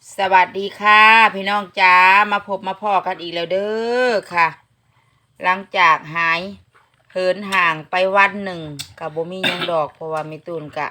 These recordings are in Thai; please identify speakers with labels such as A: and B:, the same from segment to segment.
A: สวัสดีค่ะพี่น้องจ้ามาพบมาพ่อกันอีกแล้วเด้อค่ะ หลังจากหายเหินห่างไปวันหนึ่งกับบ่มีหยังดอกเพราะว่ามีตูนกะ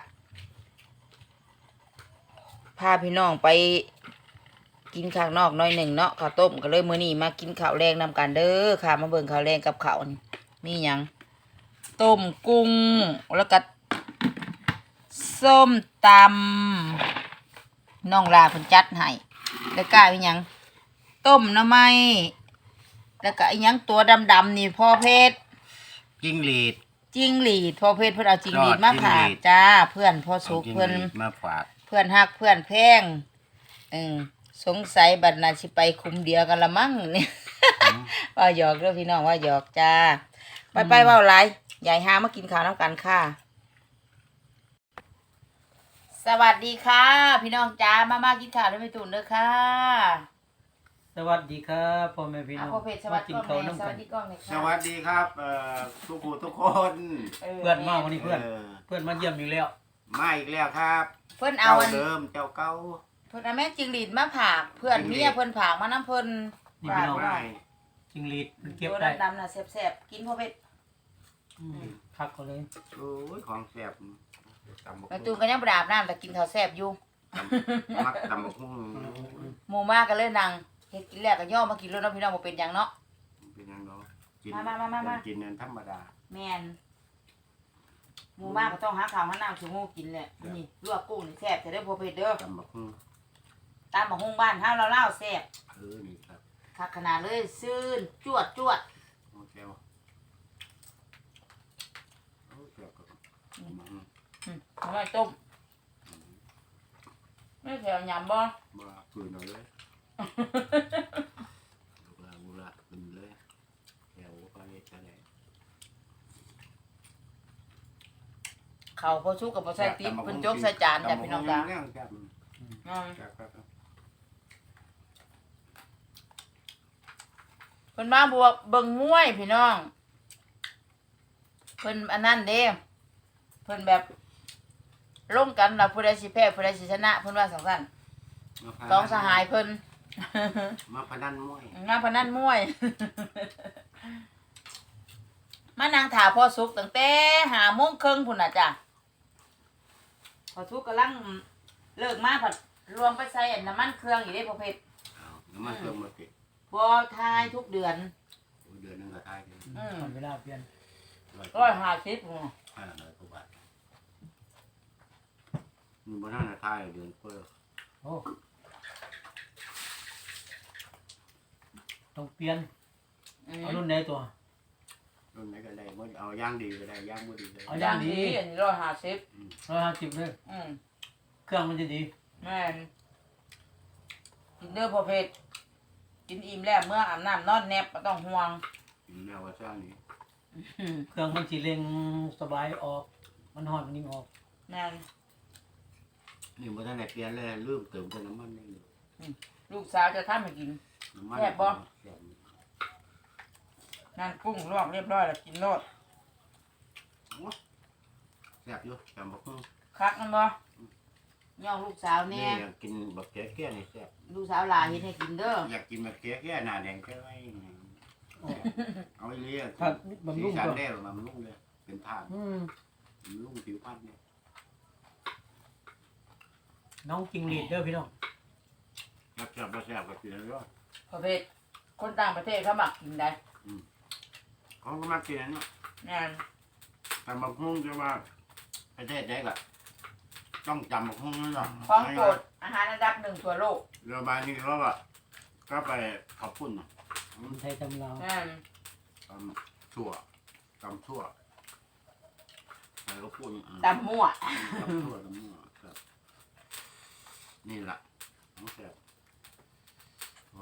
A: พาพี่น้องไปกินข้างนอกหน่อยหนึ่งเนาะข้าวต้มก็เลยมื้อนี้มากินข้าวแรงนำกันเด้อค่ะมาเบิ่งข้าวแรงกับข้าวนี่มีหยังต้มกุ้งแล้วก็ส้มตำน้องลาเพิ่นจัดให้แล้วก็อีหยังต้มหน่อไม้แล้วก็อีหยังตัวดำๆนี่พ่อเพชร
B: จิ้งหรีด
A: จิ้งหรีดพ่อเพชรเพิ่นเอาจิ้งหรีด
B: ยอด
A: มา
B: จิ้ง
A: ฝา
B: หรี
A: ก
B: ด
A: จ้าเพื่อนพ่อสุก
B: จิ้ง
A: เพิ่น
B: หรีดมาฝาก
A: เพื่อนฮักเพื่อนแพงสงสัยบัดน่ะสิไปคุมเดียวกันละมั้งเนี่ย ว่าหยอกเด้อพี่น้องว่าหยอกจ้าไปเว้าหลายยายหามากินข้าวนำกันค่ะ สวัสดีค่ะ พี่น้องจ้ามากินข้าวด้วยแม่ตุ่นเด้อค่ะ
C: สวัสดีครับพ่อแม่พี่น้
A: อ่ะ
C: อง
A: พ่อเพชรสวัสดี
C: มา
A: กล้อง
C: กิน
A: แม่
C: ข้าวน้ำ
A: ส
C: กั
A: วัน สดีกล้องเลย
B: ส
A: ค่ะ
B: วัสดีครับทุกผู้ทุกคน
C: เพื่อนมาวันนี้เพื่อน
B: เออ
C: เพื่อนมาเยี่ยมอีกแล้ว
B: มาอีกแล้วครับ
A: เพิ่นเอา
B: เจ้า
A: อัน
B: เดิมเจ้าเก่า
A: เพิ่นเอาแม่จิ้งหรีดมาผากเพื่อน
B: จิ้งหรีด
A: เมียเพิ่นผากมาน้ำเพิ่น
C: นี่
A: ฝา
C: พี่
A: ก
C: น้อง
A: ไว้
B: ไม่
C: จิงหรีดมันเก็บ
A: ตัว
C: ได้
A: ดำๆน่ะแซ่บๆกินพ่อเพชร
C: พักเขาเลย
B: โอ้ยของแซ่บตำบัก
A: แม่
B: หุ่
A: ตูน
B: ง
A: ก็ยังบ่ได้อาบน้ำแต่กินข้าวแซ่บอยู่
B: มักตำบักหุ่ง
A: หมู่มากก็เลยนั่งเฮ็ดกินแล้วก็ย่อมากินแล้วเนาะพี่น้องบ่เป็นหยังเนาะ
B: เป็นยังเนาะกิน
A: มา
B: กินนั่นธรรมดา
A: แม่นหมู่มากก็ต้องหาข้าวหาน้ำชูงูกินแหละนี่ลวกกุ้งนี่แซ่บจะได้อพ่อเพชรเด้อ
B: ตำบักหุ่ง
A: ตามบักฮุ่งบ้านเฮาเล่าๆแซ่บ
B: นี่ครับ
A: คักขนาดเลยซื่นจวด
B: โอเคว่ะโอ้แซ่บครับตำบักหุ่ง
A: อร่อยต้มไม่แถวยำบ่
B: บ่คืนเอาเลยบุระขึ้นเลยแถวไปทะเล
A: เขาพอชุกกับพอใส่ติ๊บเพิ่นจกใส่จานจ้ะพี่น้องจ้า
B: ครับ
A: เพิ่นมาบวกเบิ่งมวยพี่น้องเพิ่นอันนั้นเด้เพิ่นแบบลงกันว่าผู้ใดสิแพ้ผู้ใดสิชนะเพิ่นว่าซั่นสองสหายเพิ่น
B: มาพนันมวย
A: งานพนันมวย มานั่งถาพ่อสุกตั้งแต่5:30พุ่นน่ะจ้ะพอสุกกำลังเลิกมาผัดรวมไปใส่อันน้ำมันเครื่องอีกเด้พ่อเพชร
B: น้ำมันเครื่องมาติด
A: บ่ทายทุกเดือน
B: เดือนนึงก็ทายกัน
C: ตอนเวลาเปลี่ยน
A: 150พุ่น
B: 500กว่าบาทมีบนนั้นทายเดือนเพิ่ม
C: โอ้ต้องเปลี่ยนเอารุ่นไหนตัว
B: รุ่นไหนก็ได้บ่เอาย่างดีก็ได้ย่างบ่ดีก็
C: เอา
B: ได้
C: ย่างดี
A: อันนี้150
C: 150เลย เครื่องมันจะดี
A: แม่นกินเด้อพ่อเพชรกินอิ่มแล้วเมื่ออาบน้ำนอนแนบบ่ต้องห่วง
B: กินแนวว่าซ่านี้
C: เครื่องมันสีเร่งสบายออก มันหอนมันนิ่งออก
A: แม่น
B: นี่บนนั้นเปลี่ยนเลยลืมเติมแต่น้ำมันนี่
A: ลูกสาวจะทำให้กิน
B: น้ำมัน
A: แซ่บบ่
B: แซ่บ
A: นั่นกุ้งลวกเรียบร้อยแล้วกินโลด
B: แซ่บอยู่จำบักหุ่ง
A: คักมันบ่ย่องลูกสาวแน่
B: อยากกินบักแก่ๆนี่แซ่บ
A: ลูกสาวหลานเฮ็ดให้กินเด้อ
B: อยากกินบักแก่ๆหน้าแดงแค่ไว้เอาไว้เลี้ยง
C: ผักบำรุง
B: สีสัน
C: ตัว
B: ได้บำรุงเลยเป็นทาน บำรุงผิวพรรณเนี่ย
C: น้องจิงหรีดเด้อพี่น้อง
B: แซ่บๆแซ่บๆก็กินแล้ว
A: ประเภทคนต่างประเทศเขามักกินได้
B: เขาก็มากินอันนี้
A: แม่น
B: แต่บักหุ่งจะว่าประเทศใดก็ต้องจำบักหุ่งนั่นแหละ
A: ของโปรดอาหารอันดับ1ทั่วโลก
B: เรือบานนี้เขาว่าก็ไปขอบคุณเนาะ
C: คนไทยตำลาว
A: แม่น
B: ตำชั่วตำชั่วใครก็พูด
A: ตำมั่ว
B: ตำชั่วตำมั่วครับนี่แหละน้องแซ่บโอ้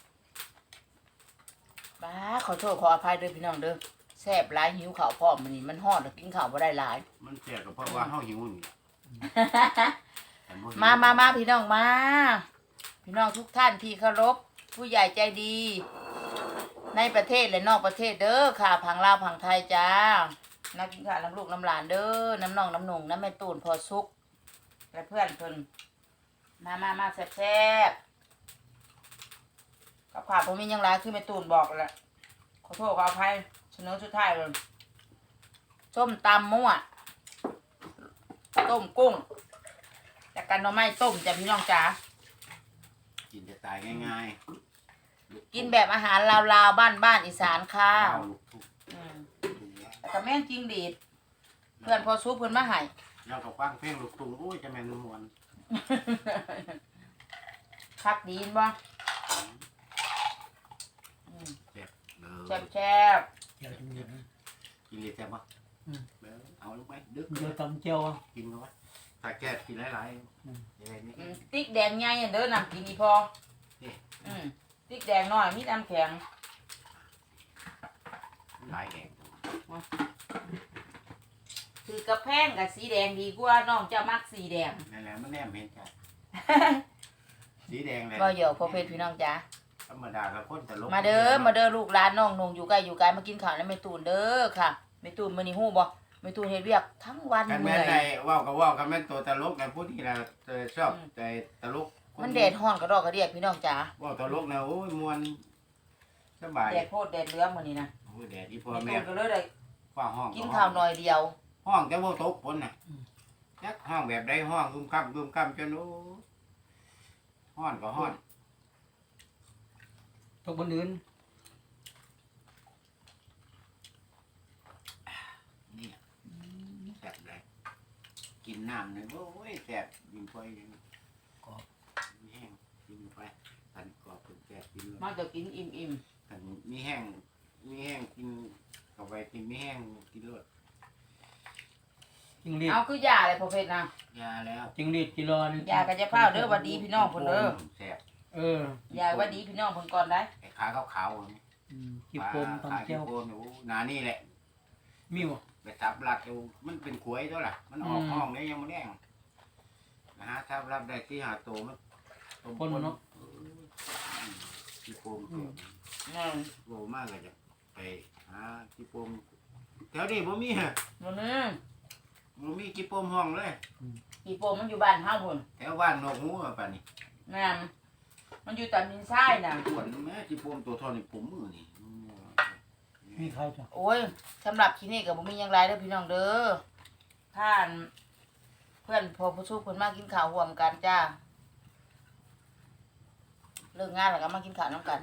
A: บ้าขอโทษขออภัยเด้อพี่น้องเด้อแซ่บหลายหิวข้าวพร้อมมื้อนี้มันฮ้อนแล้วกินข้าวบ่ได้หลาย
B: มันแซ่บก็เพราะว่าเฮาหิวนี่แหละแต่บ่หิว
A: มาพี่น้องมา พี่น้องทุกท่านที่เคารพผู้ใหญ่ใจดี ในประเทศและนอกประเทศเด้อค่ะพังลาวพังไทยจ้านักกินข้าวน้ำลูกน้ำหลานเด้อน้ำน้องน้ำหนุ่งน้ำแม่ตูนพอสุกและเพื่อนเพิ่นมาแซ่บๆกับข่าวผมมียังไรคือแม่ตูนบอกแหละขอโทษขออภัยเสนอสุดท้ายเลยส้มตำมั่วต้มกุ้งจากกันหน่อไม้ต้มจ้ะพี่น้องจ๋า
B: กินจะตายง่ายๆ
A: กินแบบอาหารลาวๆบ้านอีสานค่ะ
B: เอาลูกทุ่ง
A: อืมแต่ก็แม่งจริงดีดเพื่อนพอซุปเพื่อนมาให้
B: เราก็ฟังเพลงลูกทุ่งโอ้ยจะแม่นมวน
A: คักดีนบ่
B: แซ่บเล
A: แซ่
B: ย
A: บแซ่บ
C: เดี๋ยวจะมีนะ
B: กินเลยแซ่บปะ
C: อืม
B: เอาลงไปดึก
C: เดี๋ยวตำเจียวอ่ะ
B: กินเข้าไปถ้าแก้กินหลาย
C: อืม
B: ๆยังไงนี่
A: ติ๊กแดงใหญ่อันเด้อนำกินอีพอ
B: นี่
A: ติ๊กแดงน้อยมีน้ำแข็ง
B: หลายแดง
A: คือกระแพงกับสีแดงดีกว่าน้องเจ้ามักสีแดง
B: นั่นแหละมันแนมเห็นจ้ะสีแดงเลย
A: บ่เหยอกพอเพชรพี่น้องจ๋า
B: ธรรมดากับคนตลก
A: มาเด้อลูกหลานน้องนงอยู่ไกลมากินข้าวแล้วแม่ตูนเด้อค่ะแม่ตูนมื้อนี้ฮู้บ่แม่ตูนเฮ็ดเวียกทั้งวัน
B: กัน
A: เมื่
B: แม่
A: อน
B: ใน
A: ย
B: ว่าวกับว่าวกันแม่นตัวตลกนะผู้ที่นะชอบใจตลก
A: มันแดดร้อนกระดอกกระเดียกพี่น้องจ๋า
B: ว่าวตลกนะโอ้ยมวนสบาย
A: แดดโพดแดดเหลืองมื้อนี้นะ
B: โอ้ยแดดที่พ่อ
A: แม่
B: แม่
A: ตูนก็เลยได้
B: ฟ้าห้อง
A: กินข้าวหน่อยเดียว
B: ห้องแต่ว่าตกฝนน่ะจักห้องแบบใดห้องกุมค่ำจนโอ้ห้อนก็ห้อน
C: ตกบนอื่น
B: นี่แซ่บเลยกินน้ำเลยโอ้ยแซ่บกินไปกรอบมีแห้งกินไปทันกรอบเป็นแซ่บกินเลย
A: มาจะกินอิ่ม
B: ทันมีแห้งกินเข้าไปกินมีแห้งกินรส
C: จิงหรี
A: ๆ
C: ด
A: เอาคือยาอะไรพอเพชรนะ
B: ยาแล้ว
C: จิงหรีดกิโลนึง
A: ยากระจะเฝ้าเด้อหวัดดีพี่น้องเพิ่นเด้อ
B: แซ่บ
C: เออย
A: าหวัดดีพี่น้องเพิ่นก่อนได้
B: ไอ้ขาขาวๆนี่
C: ขี้โปม
B: ขา
C: ตำเจียว
B: ขี้โปมโอ้หนานี่แหละ
C: มีบ่
B: ไปทับรัดดูมันเป็นขวยตัวล่ะ มันออกห้องได้ยังไม่แดงนะฮะทับรัดได้ที่หาตัวมันตัว
C: คนเนาะ
B: ขี้โปมตัว โลมากเลยจะไปหาขี้โปมแถวนี้บ่มีฮะ
A: มื้อนี้
B: บ่มีขี้โปมห้องเลย
A: อีโปมันอยู่บ้านเฮาพุ่น
B: แถวบ้านนกหูอะป่านนี้
A: แม่นมันอยู่ตอนดินทรายน่ะ
B: ขวนแม่ขี้โปมตัวเท่อนี่ผมมือนี่
C: มีใครจ้ะ
A: โอ้ยสำหรับคลินิกก็บ่มีหยังหลายเด้อพี่น้องเด้อท่านเพื่อนพอผู้ชูเพิ่นมากินข้าวร่วมกันจ้าเลิกงานแล้วก็มากินข้าวนํกัน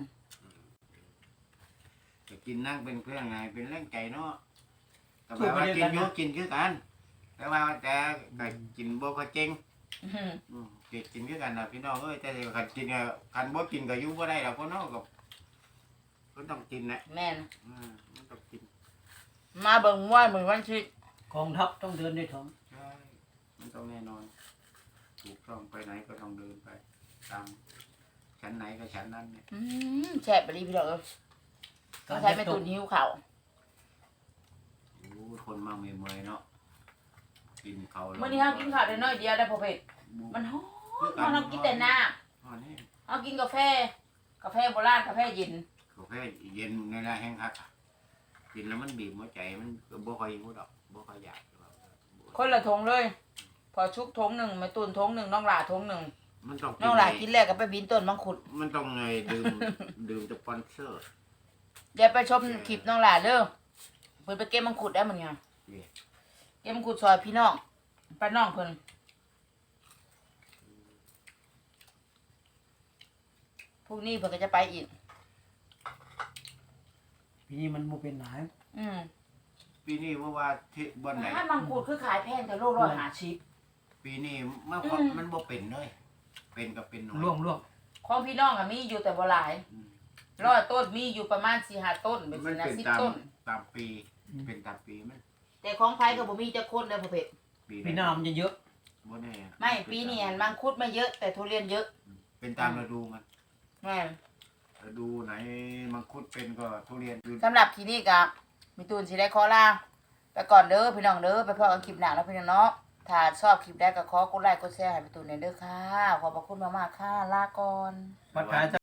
B: จะกินนั่งเป็นเพื่อนไงเป็นแรงใจเนาะแต่ว่ากินอยู่กินคือกัน แต่ว่าแต่ก็กินบ่ก็เจ๊ง กินคือกันนะพี่น้องเอ้ยแต่คันกินคันบ่กินก็อยู่บ่ได้ดอกพ่อน้องก็ต้องกินนะ
A: แม่น
B: มันต้องกิน
A: มาเบิ่งมวยมื้อวันอาทิตย์
C: กองทัพต้องเดินด้วยท้อง
B: ใช่มันต้องแน่นอนถูกต้องไปไหนก็ต้องเดินไปตามชั้นไหนก็ชั้นนั้นเนี่ย
A: แซ่บไปดีพี่น้องเอ้ยต้องใช้แม่ตุนหิวข้าว
B: โอ้คนมาเมื่อยๆเนาะกินเขา
A: มื้อนี้เฮากินข้าวได้น้อยเดียวได้พอเผ็ดมันฮ้อนเฮากินแต่น้ำ
B: อ๋อนี่
A: เฮากินกาแฟโบราณกาแฟเย็น
B: กาแฟเย็นในร้านแห้งคักกินแล้วมันบีบหัวใจมันก็บ่ค่อยหิวดอกบ่ค่อยอยาก
A: คนละทงเลย พอชุกทงหนึ่งแม่ตุนทงหนึ่งน้องหลาทงหนึ่ง
B: มันต้อง
A: น้องหลากินแล้วก็ไปบินต้นมังคุด
B: มันต้องไงดื่มสปอนเซอร์
A: เดี๋ยวไปชมคลิปน้องหลาเด้อเพิ่นไปเก็บมังคุดได้เหมือนกัน
B: นี่
A: เก็บมังคุดซอยพี่น้องป้าน้องเพิ่นพรุ่งนี้เพิ่นก็จะไปอีก
C: ปีนี้มันบ่เป็นหลาย
B: ปีนี้ว่าที่บ่อนไหน
A: ถ้ามังคุดคือขายแพงแต่โล150
B: ปีนี้มันบ่เป็นเลยเป็นก็เป็นน้อย
C: ร่วง
A: ของพี่น้องอะมีอยู่แต่บ่หลาย100ต้นมีอยู่ประมาณ 4-5 ต้นเป็น
B: มัน
A: สินะ
B: เป็น
A: 10 ต้น
B: ตามปีเป็นตามปีมัน
A: แต่ของไผก็บ่มีจักคนเด้อพ่อเพชร
C: ปีหน้ามันจะเยอะ
B: บ่แน่
A: ไม่ปีนี้อันมังคุดไม่เยอะแต่ทุเรียนเยอะ
B: เป็นตามฤดูมัน
A: แม่น
B: ฤดูไหนมังคุดเป็นก็ทุเรียนอยู่
A: สำหรับคลินิกอะมีตูนสิได้ขอลาไปก่อนเด้อพี่น้องเด้อไปพบกันคลิปหน้าแล้วพี่น้องเนาะถ้าชอบคลิปได้ก็ขอกดไลค์กดแชร์ให้พี่ตูนหน่อยเด้อค่ะขอบพระคุณมากๆค่ะลาก่อน
C: ปัดขาย